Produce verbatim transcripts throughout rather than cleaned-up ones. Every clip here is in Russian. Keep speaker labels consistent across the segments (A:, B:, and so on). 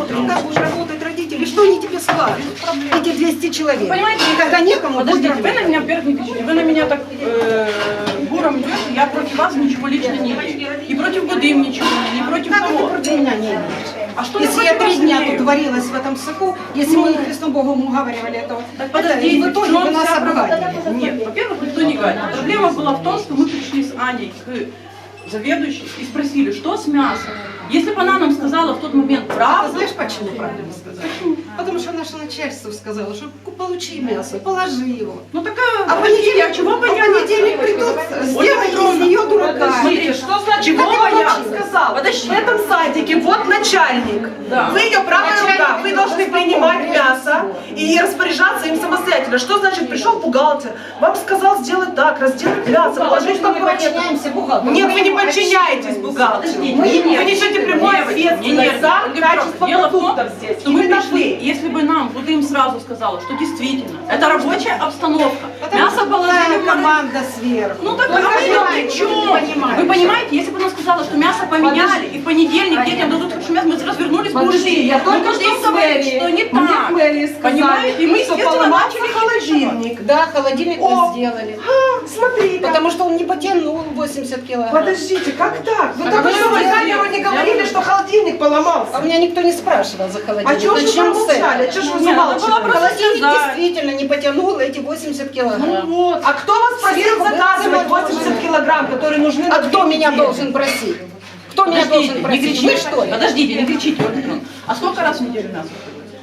A: посмотрим, как будут работать родители, что они тебе скажут. Эти двести человек.
B: Понимаете,
A: когда некому,
B: подождите,
A: будет
B: вы на меня, во-первых, не кричите, вы на меня так э, буром идете, я против вас ничего лично не имею. И против Гудым ничего, не против
A: Как ты
B: кого.
A: против меня не имеешь?
B: А что
A: Если
B: я
A: я
B: против
A: три
B: вас
A: дня
B: имею?
A: тут варилась в этом соку, если мы Христом Богом уговаривали этого,
B: Так
A: это,
B: подождите,
A: и в итоге
B: чем
A: вы нас
B: вся
A: обгадили.
B: проблема? Нет, во-первых, никто не гадит. Проблема была в том, что мы пришли с Аней к заведующей и спросили, что с мясом. Если бы она нам сказала в тот момент
A: А
B: правду,
A: знаешь, почему правильно сказать? Потому что наше начальство сказало, что получи мясо, положи его.
B: ну такая,
A: А в
B: подождите,
A: понедельник,
B: а чего
A: а в понедельник придут, сделай из нее дурака.
B: Смотрите,
C: Что значит,
B: чего
C: как я
B: бояться?
C: вам сказала?
B: Подожди.
C: В этом садике вот начальник.
B: Да.
C: Вы ее правая
A: Начальник
C: рука. Вы должны
A: должен
C: принимать
A: помочь.
C: мясо и распоряжаться им самостоятельно. Что значит, пришел бухгалтер, вам сказал сделать так, разделать мясо, положить в
A: Мы
C: такой
A: подчиняемся бухгалтеру.
C: Нет, вы не
A: Мы
C: подчиняетесь бухгалтеру.
B: Подождите,
C: Вы
B: не
C: вы
B: нервничайте,
C: несете прямую
B: девочки, не
C: ответственность за
B: нервничайте.
C: качество
B: Дело в том,
C: продуктов здесь.
B: что мы
C: Именно
B: пришли,
C: вы.
B: если бы нам Гудым сразу сказала, что действительно, это рабочая обстановка,
A: Потому
B: мясо
A: что
B: положили
A: такая
B: в морозилку.
A: команда сверху.
B: Ну так, а
A: Только
B: мы
A: знаете,
B: при
A: ты
B: чем?
A: не понимаешь.
B: Вы понимаете, если бы она сказала, что мясо поменяли, и в понедельник детям дадут хорошее мясо, мы развернулись бы и
C: Подожди,
B: ушли.
C: я
B: Мы
C: только
B: пошли
C: что с
B: говорить,
C: мэрии.
B: что не
C: Мне
B: так.
C: в мэрии сказали,
B: Понимаете? И мы,
C: что
B: естественно,
C: поломался
B: начали
C: холодильник.
A: Да, холодильник
C: О!
A: мы сделали.
C: А, смотри,
A: Потому что он не потянул восемьдесят килограмм.
C: Подождите, как так? Вы
A: А
C: только
A: вы
C: что в
A: сделали?
C: камеру не говорили, что холодильник
A: А
C: поломался.
A: у меня никто не спрашивал за холодильник.
C: А чего же вы
A: Зачем с
C: промолчали?
A: этим?
C: Чего же вы
B: Не, надо было
C: замалчивали?
B: просто
A: Холодильник
B: сказать.
A: действительно не потянул эти восемьдесят килограмм.
B: Ну вот.
C: А кто вас просил
A: Сверху
C: заказывать
A: было
C: восемьдесят килограмм, которые нужны на
A: А кто
C: две
A: меня
C: недели?
A: должен просить? Кто меня
B: Подождите,
A: должен
B: не
A: просить?
B: кричите.
A: Вы что ли?
B: Подождите, не кричите. Ольга Петровна. А сколько раз в неделю мясо?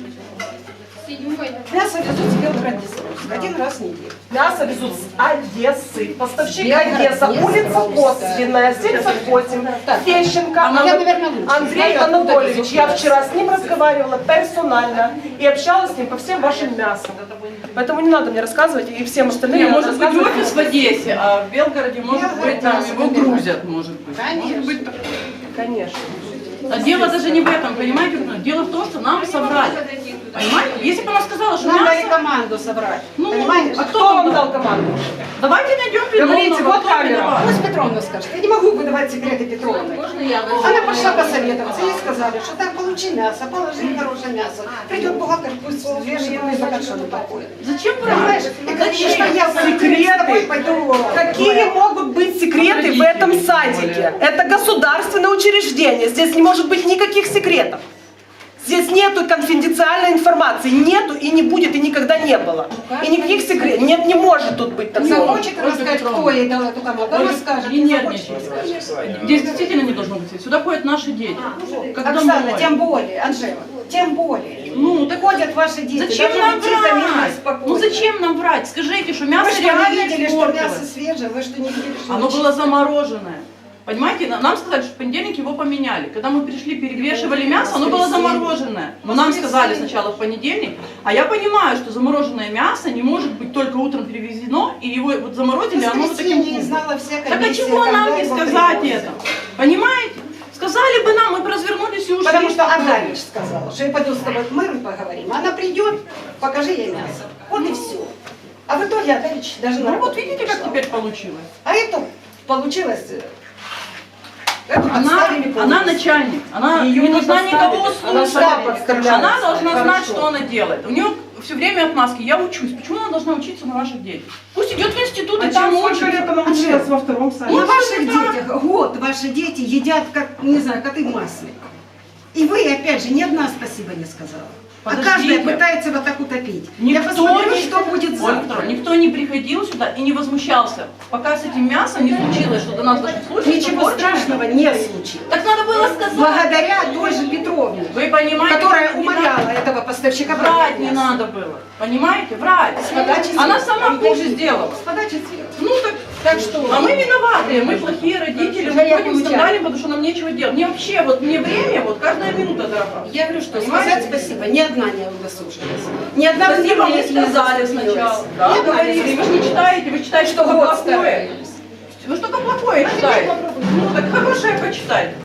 A: Мясо везут с Белгород-Днестровска один раз в неделю.
C: Мясо везут с Одессы. Поставщик
A: Белгород,
C: Одесса,
A: Днестр,
C: улица
A: Павловская.
C: Косвенная, семьдесят восемь,
A: Так.
C: Фещенко.
A: А я, наверное, лучше
C: Андрей
A: знаю, откуда
C: Анатольевич.
A: везут
C: Я
A: мясо.
C: вчера с ним разговаривала персонально и общалась с ним по всем вашим мясам. Поэтому не надо мне рассказывать, и всем остальным
B: Не,
C: не надо
B: может быть
C: рассказывать.
B: офис в Одессе, а в Белгороде, может быть, там его грузят, может быть. Может быть, так.
C: Конечно.
B: А дело даже не в этом, понимаете? Дело в том, что нам соврали. Понимаете? Если бы она сказала, что
A: Нам дали
B: мясо...
A: команду собрать.
B: Ну,
A: Понимаешь?
C: А кто вам дал команду?
B: Давайте найдем
C: Говорите,
B: виновного,
C: вот
B: кто
C: камера.
B: виноват.
A: Пусть Петровна скажет. Я не могу выдавать секреты Петровны. Она пошла посоветоваться. Ей сказали, что так, получи мясо, положи хорошее мясо. Придет бухгалтер, пусть взвешивает, и за что не покоит.
B: Зачем
A: Понимаешь?
B: брать?
A: И конечно, я
C: Секреты?
A: с тобой пойду.
C: Какие могут быть секреты в этом садике? Это государственное учреждение. Здесь не может быть никаких секретов. Здесь нету конфиденциальной информации. Нету и не будет, и никогда не было. И никаких секретов. Нет, не может тут быть такого.
A: Захочет рассказать, кто ей дал эту команду, она скажет.
B: Не
A: Не захочет.
B: нервничайте. Здесь действительно не должно быть. Сюда ходят наши дети. Как
A: Оксана,
B: домой.
A: тем более, Анжела, тем более.
B: Ну, так
A: Ходят ваши дети.
B: зачем
A: даже
B: нам
A: идти тихо, мирно,
B: врать?
A: спокойно.
B: Ну зачем нам врать? Скажите, что
A: Вы
B: мясо
A: что,
B: реально
A: не видели, что
B: испортилось.
A: мясо свежее? Вы что, не видели, что
B: Оно
A: очень-
B: было замороженное. Понимаете, на- нам сказали, что в понедельник его поменяли. Когда мы пришли, перевешивали мясо, оно было замороженное. Но нам сказали сначала в понедельник, а я понимаю, что замороженное мясо не может быть только утром перевезено, и его вот заморозили, оно вот таким
A: не
B: вкусом.
A: знала вся
B: Так а
A: комиссия,
B: чего нам
A: когда
B: не
A: его
B: сказать
A: привозят?
B: это? Понимаете? Сказали бы нам, мы бы развернулись и ушли.
A: Потому что Адамич сказала, что я пойду с тобой к мэру и поговорим. Она придет, покажи ей мясо. Вот и все. А в итоге Адамич даже на
B: Ну вот
A: работу
B: видите,
A: не
B: как
A: пришла.
B: теперь получилось.
A: А это получилось... э, Эту
B: Она,
A: подставили
B: она
A: полностью.
B: начальник, она
C: Ее
B: не
C: не
B: должна
C: подставили.
B: никого
C: Она
B: слушать.
C: сама подставляется.
B: Она должна знать,
C: Хорошо.
B: что она делает. У нее все время отмазки. Я учусь. Почему она должна учиться на ваших детях? Пусть идет в институт и там учится.
C: она училась во втором садике?
A: На
B: Ну,
A: ваших
B: да.
A: детях год ваши дети едят, как, не знаю, коты в масле. И вы, опять же, ни одна спасибо не сказала. А
B: Подождите.
A: каждая пытается вот так утопить. Я
B: Никто
A: посмотрю,
B: не-
A: что будет
B: Ольга
A: завтра.
B: Петровна, никто не приходил сюда и не возмущался. Пока с этим мясом не случилось, что до нас дошли случаи.
A: Ничего
B: что
A: страшного не случилось.
B: Так надо было сказать.
A: Благодаря той же Петровне,
B: Вы понимаете,
A: которая
B: не
A: умоляла
B: надо-
A: этого поставщика
B: Врать не
A: мясо.
B: надо было. Понимаете? Врать.
A: подачи
B: Она
A: сверху.
B: сама хуже сделала.
A: С подачи сверху.
B: Ну так,
A: Так что...
B: а мы виноваты, мы плохие родители, мы
A: Я
B: ходим
A: получаю.
B: скандалим, потому что нам нечего делать. Мне вообще, вот мне время, вот каждая минута дорога.
A: Я говорю, что
B: Понимаете?
A: сказать спасибо, ни одна не удосужилась. Ни одна в
B: Спасибо,
A: мире
B: мы
A: не
B: сказали
A: удосужилась.
B: сначала.
A: Ни
B: Да,
A: одна не
B: говорили, вы же не читаете, вы читаете
A: Что
B: что
A: год
B: плохое.
A: старались.
B: Вы что-то плохое читаете. Ну так хорошее почитайте.